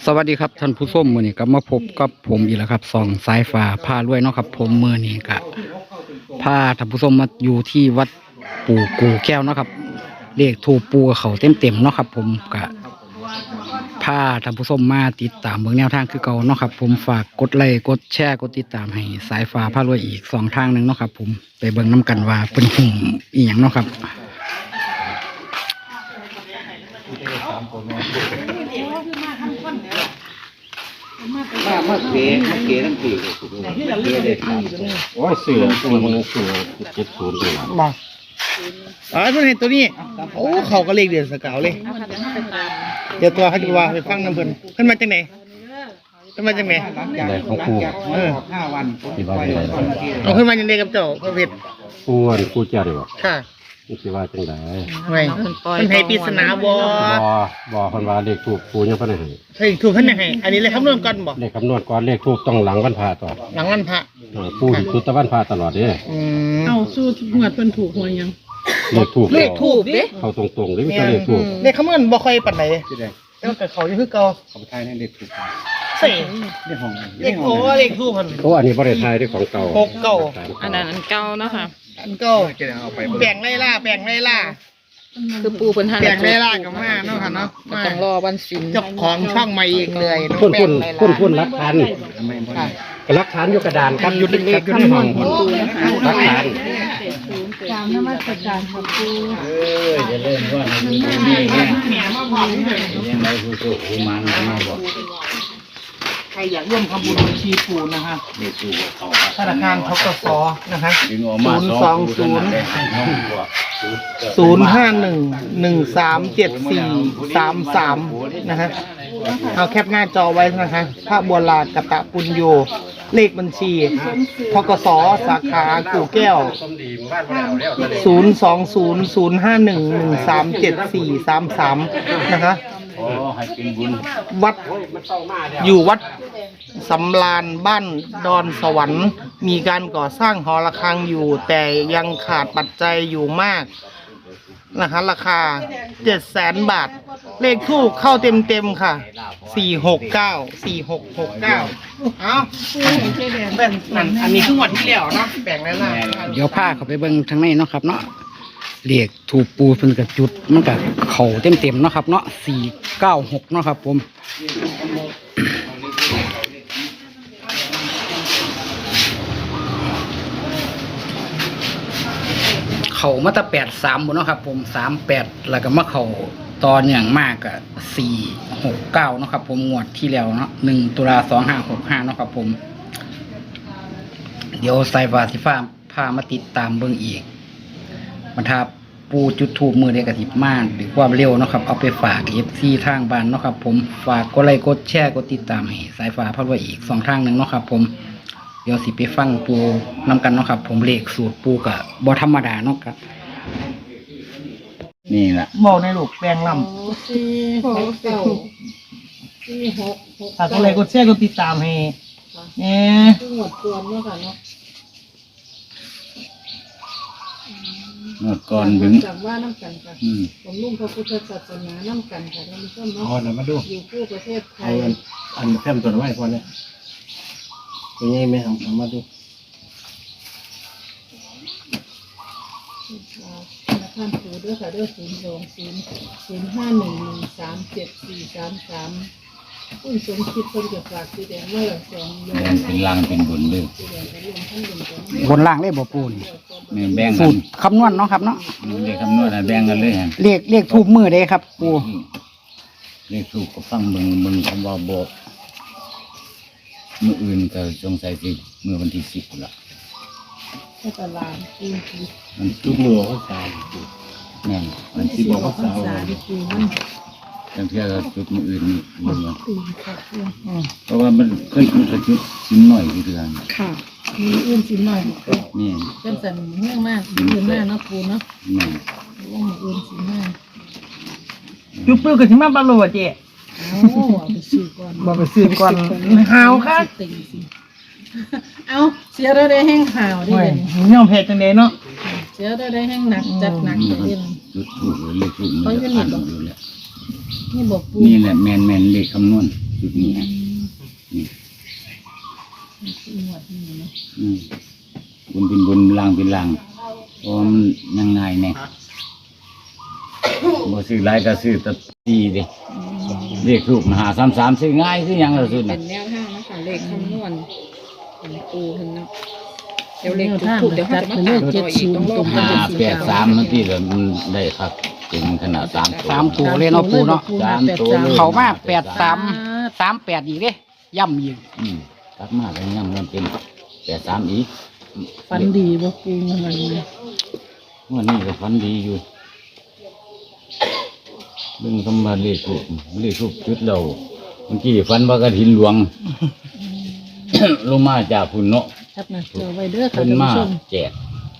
สวัสดีครับท่านผู้ชมมื้อนี้ก็มาพบกับผมอีกแล้วครับส่องสายฟ้าพารวยเนาะครับผมมื้อนี้ก็พาท่านผู้ชมมาอยู่ที่วัดปู่กูแก้วเนาะครับเลขถูกปูกับเขาเต็มๆเนาะครับผมก็พาท่านผู้ชมมาติดตามเบิ่งแนวทางคือเก่าเนาะครับผมฝากกดไลค์กดแชร์กดติดตามให้สายฟ้าพารวยอีก2ทางนึงเนาะครับผมไปเบิ่งนํกันว่าเป็นหุ่มอีหยังเนาะครับมาเก๋ทั้งปีเลยโอ้ยเสือตัวมันเสือ70เลยมาอ๋อเพิ่นเห็นตัวนี้โอ้เขาก็เลขเดือนสกาวเลยเดี๋ยวตัวเขาจะว่าไปฟังน้ำเพิ่นมาจากไหนเพิ่นมาจากไหนได้ของครู5วันที่ว่าเป็นไรเอาเพิ่นมาจากไหนกับเจ้าพระเพชรครูเจ้าดีบ่ค่ะที่ว่าจังได๋ไงเพิ่นให้ปริศนาบ่เพิ่นว่าเลขทูปครูยังบ่ได้ให้เฮ้ยถูกเพิ่นให้อันนี้เลยคำนวณก่อนบ่เลขคำนวณก่อนเลขทูปต้องหลังวันพระต่อหลังวันพระปู่จุดตะวันพระตลอดเด้เอาสู้หวดเพิ่นถูกหวยยังเลขทูปเด้เขาตรงๆเด้มีแต่เลขทูปเลขคำนวณบ่ค่อยปานใดแล้วก็เขาอยู่คือเก่าเขาไปทายให้เลขทูปเซ่เลขโอ้เลขทูปเพิ่นอันนี้บ่ได้ทายด้วยของเก่าอันนั้นอันเก่าเนาะค่ะอันเก่าแบ่งไล่ล่าคือปูเพิ่นหันแบ่งไล่ล่ากับมาเนาะค่ะเนาะต้องรอวันศิลเจ้าของช่องมาเองเลยคุณรักฐานรักฐานอยู่กระดานครับอยู่เลขอยู่ในห้องรักฐานตามนมัสการครับปูจะเล่นว่าในนี้ยังไงผู้มันมาบอกใครอยากร่วมทำบุญบัญชีปูนะฮะธนาคารธกสนะคะ02051137433นะฮะเอาแคปหน้าจอไว้นะคะพระบัวลากตะปุญโยเลขบัญชีธกสสาขากู่แก้ว02051137433นะคะวัดอยู่วัดสำราญบ้านดอนสวรรค์มีการก่อสร้างหอระฆังอยู่แต่ยังขาดปัจจัยอยู่มากนะคะราคา 700,000 บาทเลขทูปเข้าเต็มค่ะ469เอาแบ่งอันนี้คือหมดที่แล้วเนาะแบ่งแล้วนะเดี๋ยวพาเขาไปเบิ่งทางในเนาะครับเนาะเลขถูกปูเพิ่นก็จุดมันก็เข้าเต็มๆเนาะครับเนาะ496เนาะครับผมเข้ามาตั้ง83บ่เนาะครับผม38แล้วก็มาเข้าตอนอย่างมากก็469เนาะครับผมงวดที่แล้วเนาะ1ตุลา2565เนาะครับผมเดี๋ยวสายฟ้าสิฟ้าพามาติดตามเบิ่งอีกมันถ้าปูจุดทูบมือได้กระติบมากหรือความเร็วเนาะครับเอาไปฝาก FC ทางบ้านเนาะครับผมฝากกดไลค์กดแชร์กดติดตามให้สายฟ้าพาไว้อีก2ทางนึงเนาะครับผมเดี๋ยวสิไปฟังปูนำกันเนาะครับผมเลขสูตรปูก็บ่ธรรมดาเนาะครับนี่แหละบอกในลูกแปลงลำฝากอะไรกดแชร์กดติดตามให้หมดตัวเนาะค่ะเนาะหมดก่อนถึงจากว่าน้ำกันค่ะผมนุ่งพระพุทธศาสนาน้ำกันค่ะท่านผู้ชมเนาะมาดูอยู่คู่ประเทศไทยอันแท่มตัวไว้พอเนี่ยเป็นไงไหมครับมาดูท่านปู่ด้วยค่ะด้วย02005113743คุณสมคิดคนจะฝากสีแดงไว้หลัง2โยมเป็นล่างเป็นบนเลยบนล่างเลขบ่ปูนี่แบ่งกัสูนตรคำนวณเนาะครับเนาะเลขคำนวณแบ่งกันเลยเลขทูบมือเด้ครับปูเลขทูบก็ฟังมึงคำว่าบอกมืออื่นก็สงสัยสิมือวันที่10ละให้ตลาดปูมันทุกมือเขาสายแม่นมันสิบอกว่าสาวจังเที่ยวจุดมืออื่นมึงเพราะว่ามันเคยจุดชิ้นหน่อยที่เดือนค่ะมีอื่นชิ้นหน่อยนี่เป็นสันเมื่อมากอื่นมากเนาะปูเนาะนี่ว่าอื่นชิ้นมากจุ๊บปื้อกับชิ้นมากบ้างเลยเจ๊ไปซื้อก่อนบอกไปซื้อก่อนหาวค่ะเอาเสียได้แห้งข่าวดิย่อมเพจจังเดเนาะเสียได้แห้งหนักจัดหนักเลยจุดถูกเลยเลขถูกมันจะพันอยู่แล้วนี่บอกปูนี่แหละแม่นเลขคำนวณจุดนี้ฮะนี่หมวดนี่เนาะบุญเป็นบุญลางเป็นลางเพราะว่ามันยังไงเนี่ยบ่ซื้อหลายก็ซื้อแตะตีเด้เลขรูป533ซื้อง่ายคือหยังล่ะสุดเป็น่ะนแนวทางนะคะเลขคำนวณของปูเพิ่นเนาะเดี๋ยวเลขถูกเดี๋ยวเขาจะมาตามต่ออีกต้องรอ 583มันที่ละมันได้ครับเป็นขนาด3ตัวสามตัวเลยเนาะปูเนาะสามตัวเลยเขามา8338อีกเด้ย่ำอีกกลับมาแล้วยังมันเป็น83อีกฟันดีบอกปูมันวันนี้ก็ฝันดีอยู่เรื่องคำว่าเลขทูปจุดเราเมื่อกี้ฝันว่ากระถินหลวง ลงมาจากพุ่นเนาะครับนะเจอไว้เด้อค่ะเพิ่นท่านมาผู้ชมแจก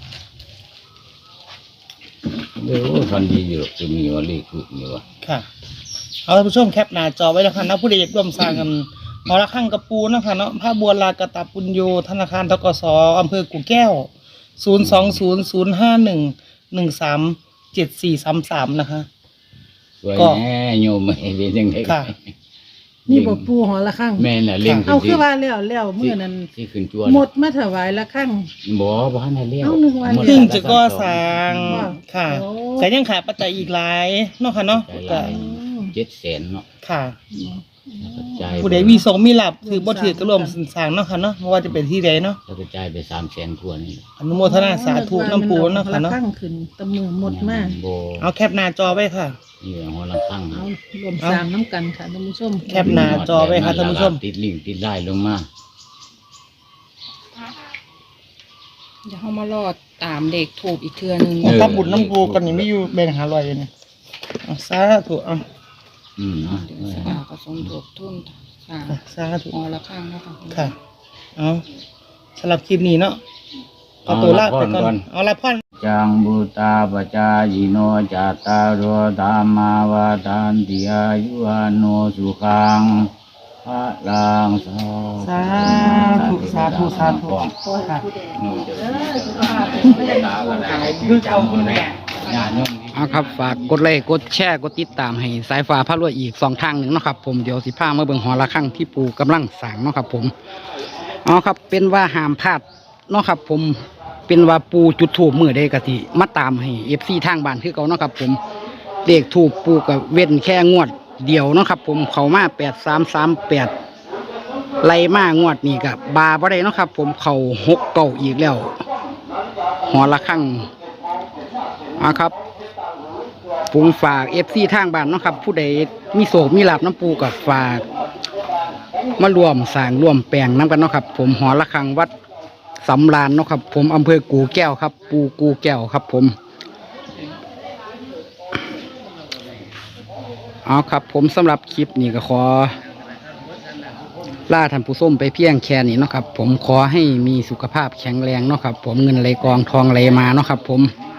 เด้อฝันดีอยู่หรอกจะมีว่าเลขทูปนี่วะค่ะเอาท่านผู้ชมแคปหน้าจอไว้แล้วค่ะนะผู้ใดอยากร่วมสร้างกันหอระฆังกระปูนะคะเนาะพระบัวลากตปุญโยธนาคารธกสอำเภอกู่แก้ว 020-051-137433นะคะสวยก็แน่โยมไม่เป็นยังไงค่ะนี่บอกปูหอละข้างแม่น่ะเลี้ยงเอาคือว่าแล้วเมื่อนั้นที่ขึ้นจวนหมดมาถวายละข้างบ่บ้านให้เลี้ยงเอาหนึ่งวันหมดเพิ่งจะก่อสร้างว่าค่ะโอ้แต่ยังขาดปัจจัยอีกหลายเนาะค่ะเนาะใจหก็ลาย700,000เนาะค่ะกระจายผู้ใดมีสงมีหลับถือบ่ถือก็ร่วมสร้างเนาะค่ะเนาะไม่ว่าจะเป็นที่ใดเนาะแล้วกระจายไป300,000ทั่วนี่อนุโมทนาสาธุน้ำปูเนาะค่ะละเนาะข้างขึ้นตะมือหมดมากบ่เอาแคปหน้าจอไว้ค่ะนี่หัวละข้างเอารวมสร้างน้ำกันค่ะท่านผู้ชมแคปหน้าจอไว้ค่ะท่านผู้ชมติดลิงก์ติดไล่ลงมาเดี๋ยวเขามารอดตามเลขถูกอีกเทื่อนึงถ้าบุญน้ำปูกันนี่ไม่อยู่แบ่งหาลอยเลยเนี่ยเอาสาธุเอาเนาะเดี๋ยวสกาผสมถูกทุ่นสร้างสาธุหอละข้างนะคะค่ะ เอาสำหรับคลิปนี้เนาะเอาตัวลาไปก่อน เอาละพ่อนจังบุตาปจายิโนจัตตารโอธรรมาวาทานติอายุวันโนสุขังพระลังสาสาธุสาธุสาธุค่ะโนจะตาก็ได้คือจำคนแน่ญาติโยมเอาครับฝากกดไลค์กดแชร์กดติดตามให้สายฟ้าพระรวยอีก2 ทางหนึ่งเนาะครับผมเดี๋ยวสิพามาเบิ่งหอระฆังที่ปูกำลังสร้างเนาะครับผมเอาครับเป็นว่าห้ามพลาดเนาะครับผมเป็นว่าปูจุดถูปมือได้กะทิมาตามให้ FC ทางบ้านคือเก่าเนาะครับผมเลขถูกปูกับเว้นแค่งวดเดียวเนาะครับผมเขามา8338ไล่มางวดนี้กับบาบ่ได้เนาะครับผมเขา6 เก่าอีกแล้วหอระฆังเอาครับ ผมฝากFCทางบ้านเนาะครับผู้ใดมีโศกมีลาบน้ำปูกับฝากมารวมสร้างร่วมแปลงน้ำกันเนาะครับผมหอระฆังวัดสำราญเนาะครับผมอำเภอกู่แก้วครับปูกู่แก้วครับผมเอาครับผมสำหรับคลิปนี้ก็ขอลาท่านผู้ชมไปเพียงแค่นี้เนาะครับผมขอให้มีสุขภาพแข็งแรงเนาะครับผมเงินไหลกองทองไหลมาเนาะครับผม